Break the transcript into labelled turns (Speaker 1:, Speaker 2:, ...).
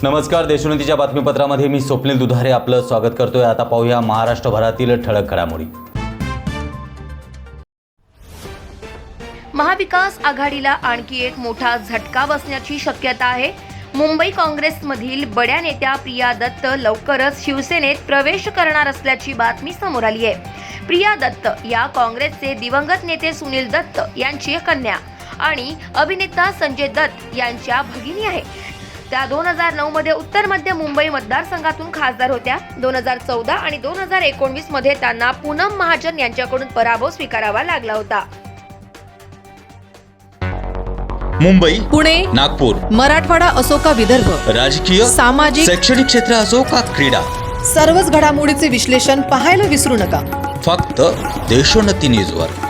Speaker 1: नमस्कार, देशोन्नतीच्या बातमीपत्रामध्ये मी स्वप्नील दुधारे आपलं स्वागत करतोय। आता पाहूया महाराष्ट्रभरातील ठळक घडामोडी।
Speaker 2: महाविकास आघाडीला आणखी एक मोठा झटका बसण्याची शक्यता आहे। मुंबई काँग्रेसमधील बड्या नेत्या प्रिया दत्त लवकरच शिवसेनेत प्रवेश करणार असल्याची बातमी समोर आली आहे। प्रिया दत्त या काँग्रेसचे दिवंगत नेते सुनील दत्त यांची कन्या आणि अभिनेता संजय दत्त यांच्या भगिनी आहे। त्या 2009 मध्ये उत्तर मध्य मुंबई मतदारसंघातून खासदार होत्या। 2014 आणि 2019 मध्ये त्यांना पूनम महाजन यांच्याकडून पराभव स्वीकारावा लागला होता।
Speaker 3: मुंबई,
Speaker 4: पुणे,
Speaker 3: नागपूर,
Speaker 4: मराठवाडा असो का विदर्भ,
Speaker 3: राजकीय,
Speaker 4: सामाजिक,
Speaker 3: शैक्षणिक क्षेत्र असो का क्रीडा,
Speaker 4: सर्वच घडामोडीचे विश्लेषण पाहायला विसरू नका।
Speaker 3: फक्त देशोन्नती न्यूजवर।